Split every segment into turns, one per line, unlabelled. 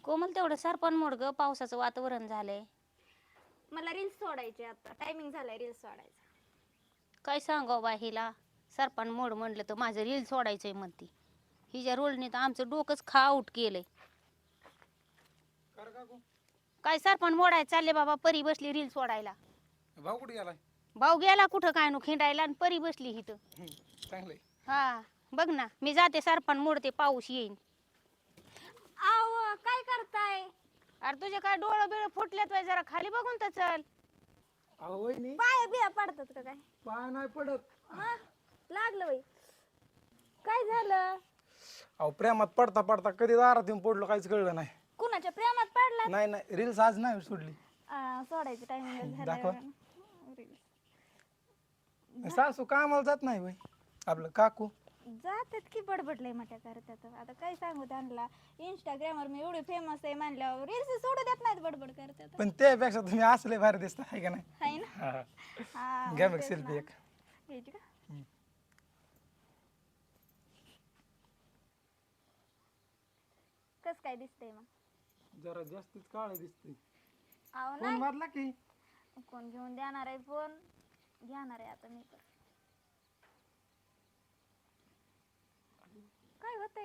कोमल तेवढं सरपण मोड ग, पावसाचं वातावरण झालंय.
मला रील्स सोडायचे आता, टायमिंग झालाय रील्स सोडायचा.
काय सांगावं बा हिला, सरपण मोड म्हणलं तर माझं रील सोडायचंय म्हणती. हिच्या रोलने तर आमचं डोकंच खाऊट केलंय. काय सरपण मोडाय चालले बाबा, परी बसली रील सोडायला.
भाऊ कुठे गेलाय?
भाऊ गेला कुठं काय नो खिंडायला आणि परी बसली इथं.
चांगलंय.
हा बघ ना, मी जाते सरपण मोडते, पाऊस येईन.
आव काय करताय?
अरे तुझे काय डोळं बिळ फुटल्यात वय, जरा खाली बघून तर चल.
अहो वहिनी,
पाय बिया पडतात का काय?
पाय नाही पडत.
हा लागलं बाई. काय झालं?
अहो प्रेमात पडता पडता कधी दारात येऊन पडलो काहीच कळलं नाही.
कुणाच्या प्रेमात पडला?
नाही रील्स आज नाही सोडली.
सोडायची टायमिंग
दाखवा.
झालाय.
सासू कामाला जात नाही बाई. आपलं काकू
जातात की बडबडलंय मोठ्या करतात. आता काय सांगू त्यांना, इंस्टाग्रामवर मी एवढी फेमस आहे म्हणल्यावर रील्स सोडू देत नाहीत, बडबड करतात.
पण त्यापेक्षा तुम्ही असले भारी दिसता आहे का नाही?
हाय ना?
हा.
हा,
घ्या
मग
मग
तेच
सेल्फी
ना.
एक.
घ्यायची का? कस काय दिसतंय मग?
जरा जास्तच काळ दिसते.
आव
फोन
नाही,
मारला की
कोण घेऊन देणार आहे फोन? घेणार आहे आता मी पण. काय होतंय?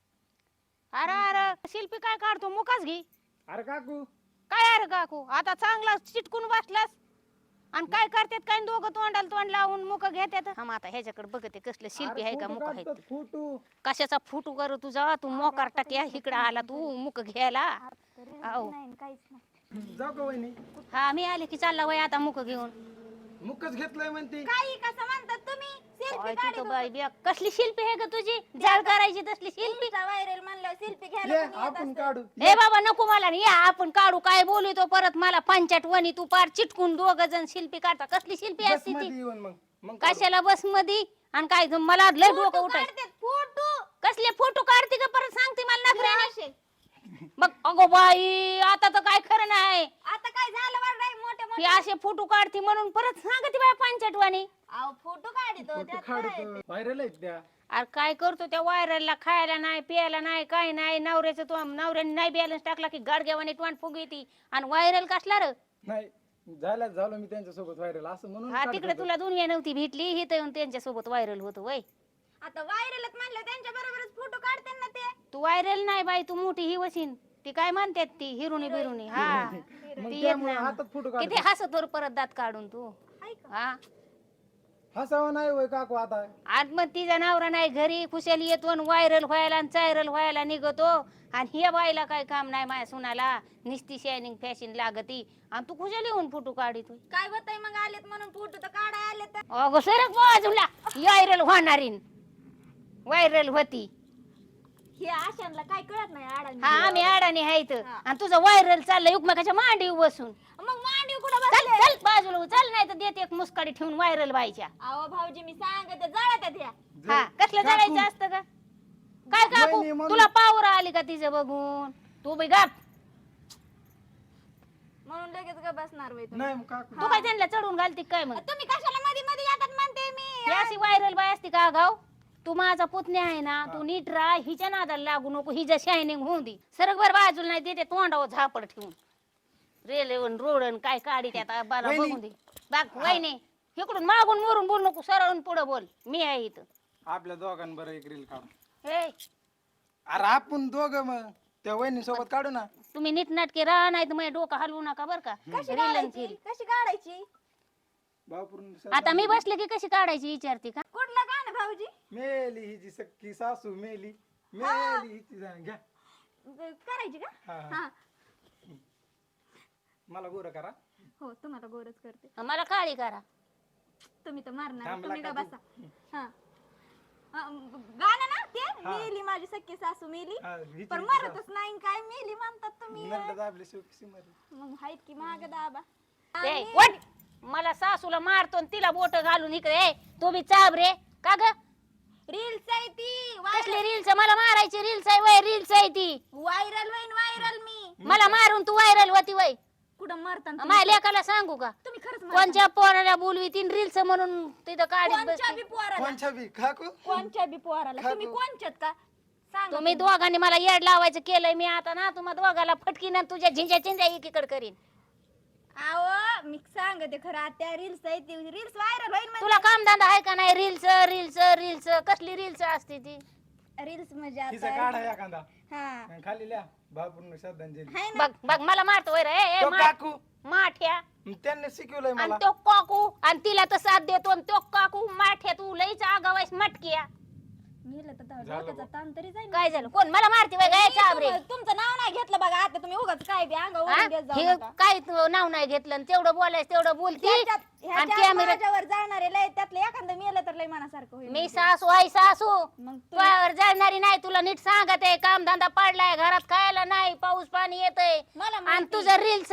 अरे अरे शिल्पी काय काढतो, मुकाच घे.
अरे काकू
काय अरे काकू, आता चांगला चिटकून बसलास आणि काय करतात काय दोघं तोंडाला तोंड लावून मुक घेतात. हा आता ह्याच्याकडे बघते कसलं शिल्पी आहे का मुक आहे ते.
फोटो
कशाचा फुटू कर तुझा, तू मोकार टाक्या इकडे आला तू मुक घ्यायला. आहो.
नाही काहीच नाही.
जाऊ का वहिनी?
हा मी आले की चालला वय आता मुक घेऊन.
मुकच घेतलंय म्हणते.
काही कसं म्हणतात तुम्ही?
काय
सेल्फी
तू बाई बिया, कसली शिल्पी आहे का तुझी, जाळ करायची तसली शिल्पी.
व्हायरल म्हणलं सेल्फी
ये
घ्यायला कोणी येत
आपण
असतं.
काढू.
हे बाबा नको मला नाही, या आपण काढू. काय बोलतो परत मला पंचाट वणी, तू पार चिटकून दोघ जण शिल्पी काढता. कसली शिल्पी
बस
असते ती?
मध्ये येऊन मग काढू.
कशाला बस मध्ये आणि काय मला लय डोकं
फोटो
उठाय.
काढतात, फोटो.
कसले फोटो काढते का परत सांगते मला नखऱ्याने.
असे.
मग अगो बाई, आता तर काय खरं नाही.
आता काय झालं वाटतंय मोठे
ही
मोठे?
असे फोटो काढते म्हणून परत सांगते बाय पंचाटवाणी.
अहो फोटो काढतो त्यात काय?
व्हायरल आहेत त्या.
अरे काय करतो त्या व्हायरलला, खायला नाही प्यायला नाही काय नाही. नवऱ्याचं तो नवऱ्याने नाही बॅलन्स टाकला की गाडग्यावाने टोन फुग येते. आणि व्हायरल कसला र?
नाही झालो मी त्यांच्या सोबत व्हायरल असं म्हणून
हा
काढत
तिकडे
होतो.
तुला दुनिया नव्हती भेटली, ही तर येऊन त्यांच्या सोबत व्हायरल होतो वय.
आता व्हायरलच म्हणलं त्यांच्या बरोबरच फोटो काढते ना ते.
तू व्हायरल नाही बाई, तू मोठी ही वशीन. ती काय म्हणतात ती हिरुनी बिरुनी. हा
मग
ती येत
त्यामुळे
नाही.
हातात फोटो काढ.
किती हसत वर परत दात काढून तू.
हाय का?
हा
हसावं नाही होय काकू आता.
आज मग तिचा नवरा नाही घरी, खुशाली येतो आणि व्हायरल व्हायला आणि चायरल व्हायला निघतो. आणि हे बाईला काय काम नाही माझ्या सुनाला, निस्ती शायनिंग फॅशन लागती आणि तू खुशाली येऊन फोटो काढित.
काय होतंय मग आलेत म्हणून फोटो तर काढाय आले तर.
अगं सरक बाजूला, व्हायरल होणारी व्हायरल होती.
हे आशांना काय कळत नाही आडानी.
हा आम्ही अडाणी आहेत
हा.
आणि तुझं व्हायरल चाललंय एकमेकाच्या मांडीवर बसून.
मग मांडीव कुठं
चल
बसले?
चल बाजूला चल, नाही तर देते एक मुस्काडी ठेवून व्हायरल व्हायच्या.
अहो भाऊजी मी सांगते जळत्यात ह्या.
हा कसलं
काकू.
जायचं असतं का? काय काकू,
वहिनी म्हणून-
तुला पावर आली का तिचं बघून? तू बी गाप.
म्हणून लगेच ग बसणार वय तुम्ही.
नाही मग काकू
तू काय त्यांना चढून घालती काय मग?
तुम्ही कशाला मध्ये मध्ये येतात म्हणते मी.
ही अशी व्हायरल बाय असते का गाव? तू माझा पुतण्या आहे ना, तू नीट राह, हिच्या नादाला लागू नको, हिच्या शायनिंग होऊन दे. सरक बर बाजूला नाही देते तोंडावर झापड ठेवून. रेल्वेन रोडन काय काढी त्यात बाला
वहिनी.
बघून दे. बाग वहिनी इकडून मागून मोरून बोल नको, सरळून पुढे बोल. मी आहे इथं.
आपल्या दोघांबरोबर एक रील काढू.
हे
अरे आपण दोघं मग त्या वहिनी सोबत काढू ना.
तुम्ही नीट नाटके राहा, नाही तर माझ्या डोकं हलवू नका बर का.
कशी
रील आणि
काढायची?
फिल.
कशी काढायची?
बापूर
आता मी बसले की कशी काढायची विचारते का?
कुठलं गाणं भाऊजी?
मेली हिची सख्खी सासू मेली हिची घ्या.
करायची का?
हा, हा.
हा.
मला गोर करा.
हो तुम्हाला गोरच करते.
मला काळी करा.
तुम्ही तर मारणार.
थांबला
तुम्ही का
का
बसा. हा. गाणं ना ते मेली माझी सख्खी सासू मेली.
हा, हिची
पण
हिची
मरतच नाही काय मेली म्हणतात तुम्ही.
नरड दाबली शेवटी मरली.
मग हायत की माग दाबा.
ए,
आणि-
वट. मला सासूला मारतो आणि तिला बोट घालून इकडे. ए, तू बी चाब रे का ग?
रील्स आहे ती.
कसली रील्स? मला मारायची रील्स आहे वय? रील्स आहे ती.
व्हायरल होईन व्हायरल मी.
मला मारून तू व्हायरल होती वय?
कुठं मरता
माझ्या लेकाला सांगू का?
तुम्ही खरंच मरता.
कोणच्या पोराला बोलवी तीन रील्स म्हणून तिथं काढीत
कोणच्या
बसते.
बी पोराला.
कोणच्या बी काकू
कोणच्या बी पोराला.
खातो.
तुम्ही कोणच्यात का? सांगा
तुम्ही दोघांनी मला येड लावायचं केलंय मी आता ना तुम्हा दोघाला फटकीन आणि तुझ्या झिंज्या चिंज्या एकीकडे करीन.
आहो मी सांगते खरं आता रील्स आहे ती रील्स व्हायरल होईल
तुला काम धंदा आहे का नाही? रील्स रील्स रील्स कसली रील्स असते ती?
रील्स म्हणजे
तिचा
आता
काढा एखादा
हा
आणि खाली लिहा भापूर्ण श्रद्धांजली.
हाय ना
बघ बघ मला मारतो वैर ए
तो काकू
माठ्या
त्यांनी शिकवलंय
आणि
मला.
तो काकू आणि तिला तर साथ देतो आणि तो काकू माठ्या तू लईच आगावायस मटकिया.
मेलं तर
झालं
डोक्याचा
बघ.
ताण तरी जाईल
काय झालं? कोण मला मारते वय काय चाबरे?
तुमचं नाव नाही घेतलं बघा आता तुम्ही उगाच काय बी अंगावर देत जाऊ
हे
नका.
काय तू नाव नाही घेतलं आणि तेवढं बोलायचं तेवढं बोलती
ह्याच्यात-
आणि
ह्याच्यात
कॅमेरा
माझ्यावर जाणारे लय त्यातलं एखादं मेलं तर लय मनासारखं होईल
मी सासू आहे सासू
मग तुम्ही-
तुझ्यावर जाणारी नाही. तुला नीट सांगत आहे काम धंदा पडलाय घरात खायला नाही पाऊस पाणी येतंय
मला
आणि
माहिती.
तुझं रील्स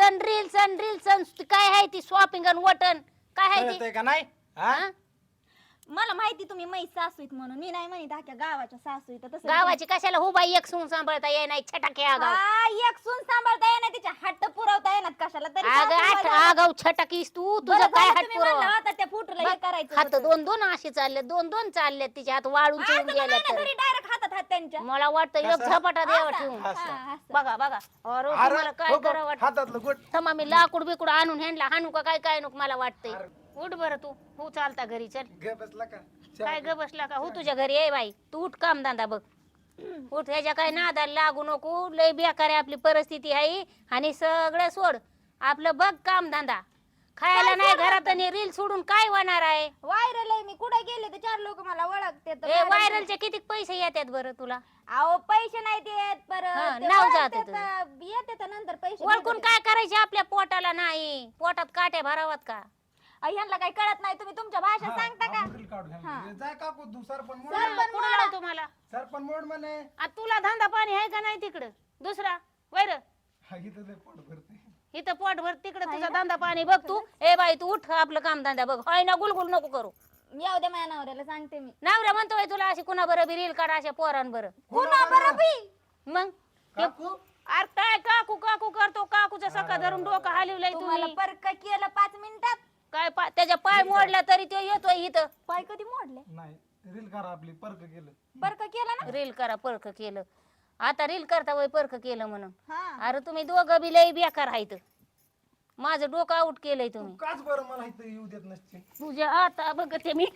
काय आहे ती शॉपिंग आणि वटन काय आहे ती?
कळतंय का नाही हा?
हा?
मला माहिती तुम्ही मै सासू आहेत म्हणून मी नाही म्हणत अख्ख्या गावाच्या सासू आहेत तसं
गावाची कशाला हुबा एक सून सांभाळता ये नाही छटाके आगाव
हा, एक सून सांभाळता येणार तिच्या हट्ट पुरवता येणार कशाला तरी
आग
सासू
आठ
बाई-
आगाव छटाकीस तू
बरं
तुझं काय
झालं
हात
तुम्ही म्हणला
पुरव
होता त्या फुटूला हे करायचं
हात
होतं.
दोन दोन असे चालले दोन दोन चालले तिच्या हात वाळून
असं
चिरून
तर
गेले
नाही ना,
तर
घरी डायरेक्ट हातात हात त्यांच्या
मला वाटतं एक
कसं?
झपाटा द्यावा
असं,
ठेवून
असं.
हा, असं.
बघा बघा अरे
अरे,
तुम्हाला काय
हो का?
करावं वाटतं
हातातलं गोट
थांबा मी लाकूड बिकूड आणून ह्यांना हाणू का काय काय नको मला वाटतंय
अरे.
उठ बरं तू हो चालता घरी चल
ग बसला का
काय ग बसला का हो तुझ्या घरी ये बाई तू उठ काम धंदा बघ उठ ह्याच्या काय नादाला लागू नको लय बेकार आहे आपली परिस्थिती आहे आणि सगळं सोड आपलं बघ काम धंदा खायला
काय
नाही
सोडणार
घरात आणि रील सोडून काय होणार आहे?
व्हायरल आहे मी कुठे गेले तर चार लोक मला ओळखते
ए व्हायरलचे किती पैसे येतात बरं तुला?
अहो पैसे नाही देत
हा,
परत ते
नाव
ओळखते
जाते
तर येते तर नंतर पैसे
ओळखून
देते.
काय करायचे आपल्या पोटाला नाही पोटात काट्या भरावात का?
ह्यांना काही कळत नाही तुम्ही तुमच्या भाषा
हा,
सांगता का
आपण reel काढू घ्या.
हा.
जाय काकू तू सरपण मोड
सरपण
म्हणे.
कुणाला आहे तुम्हाला
सरपण मोड म्हणे
आ, तुला धंदा पाणी आहे का नाही तिकडं दुसरा वैर
हा, इथं लय पोट भरते
इथं पोट भर तिकडे तुझा धंदा पाणी बघ तू ए बाई तू उठ आपलं काम धंदा बघ हाय ना गुलगुल नको करू
येऊ दे माझ्या नवऱ्याला सांगते मी
नवरा म्हणतोय तुला अशी कुणा बरं बी रील काढा अशा पोरान बरं
कुणा बरं बी
मग
काकू
अरे काय काकू काकू करतो काकूचा सका धरून डोकं हलवलंय
तुम्हाला
तुम्ही
परक केलं 5 मिनिटात
काय त्याच्या पाय मोडला तरी तो येतोय इथं
पाय कधी मोडले
नाही रील करा आपली परक केलं
परक केलं ना
रील करा परख केलं आता रील करता वय परख केलं म्हणून
हा
अरे तुम्ही दोघं बी लई बेकार आहेत माझं डोकं आउट केलंय
तू
तुम्ही
काच बरं मला इथं येऊ देत नसते
तुझ्या आता बघते मी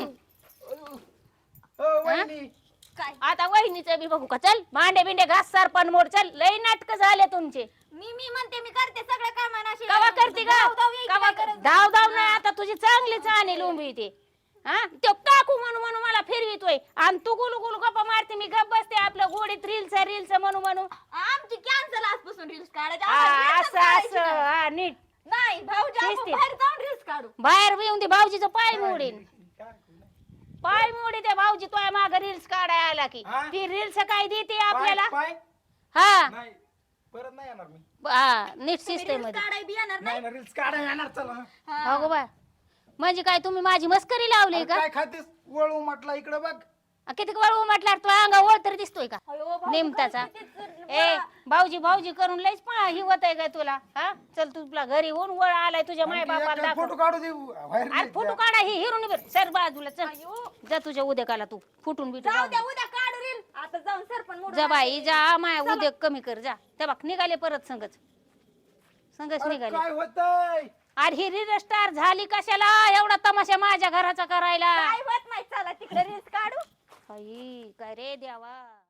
वहिनी
काय
आता वहिनीचं बी बघू का चल भांडे बिंडे घास सरपण मोड चल लई नाटक झाले तुमचे
मी म्हणते मी करते सगळं काम
कवा करते का धाव धाव नाही आता तुझी चांगली चाणी लोंबी ते हा तो काकू म्हणू म्हणू मला फिरवितोय आणि तू गुलू गुलू गप्पा मारते मी गप बसते आपलं गोडीत रील्स म्हणू म्हणू
आमची कॅन्सल आजपासून रील्स काढायची
हा,
आम्हाला
असं
reels
असं
काढायची नाही.
हा नीट
नाही भाऊजी आपण
शिस्तीत.
बाहेर जाऊन रील्स काढू
बाहेर येऊन दे भाऊजीचं पाय मोडीन पाय मोडी ते भाऊजी तो माग रील्स काढाय आला की
हा?
ती रील्स काय देते आपल्याला
पाय
हा
नाही परत नाही येणार मी
हा, नीट
तुम्ही
सिस्टम
reels
मध्ये
काढाय बी येणार
नाही ना रील्स काढा येणार चला
हा.
अगो बाय म्हणजे काय तुम्ही माझी मस्करी लावली
अरे
का
काय खातेस वळू म्हटला इकडे बघ
किती वळू म्हटल्यावर तो अंगा वळ तरी दिसतोय का
अयो, भाऊजी,
नेमताचा
किती
ए भाऊजी भाऊजी करून लयच ही होत आहे काय तुला हा चल तुला घरी होऊन वळ आलाय तुझ्या माय बापाला दाखव
फोटो काढू दे बाहेर
अरे फोटो काढा ही हिरून बर सर बाजूला चल
अयो,
जा तुझ्या उद्याकाला तू फुटून बिटून
जाऊ
जाऊ
द्या
दे.
उद्या काढू रील आता जाऊन सरपण मोडून
जा बाई
आणते.
जा माया उद्या कमी कर जा त्या बघ निघाले परत संगच
अरे
निघाले
काय होतंय
अरे ही रील स्टार झाली कशाला एवढा तमाशा माझ्या घराचा करायला
काय होत नाही चला तिकडे रील्स काढू
आई, काय रे देवा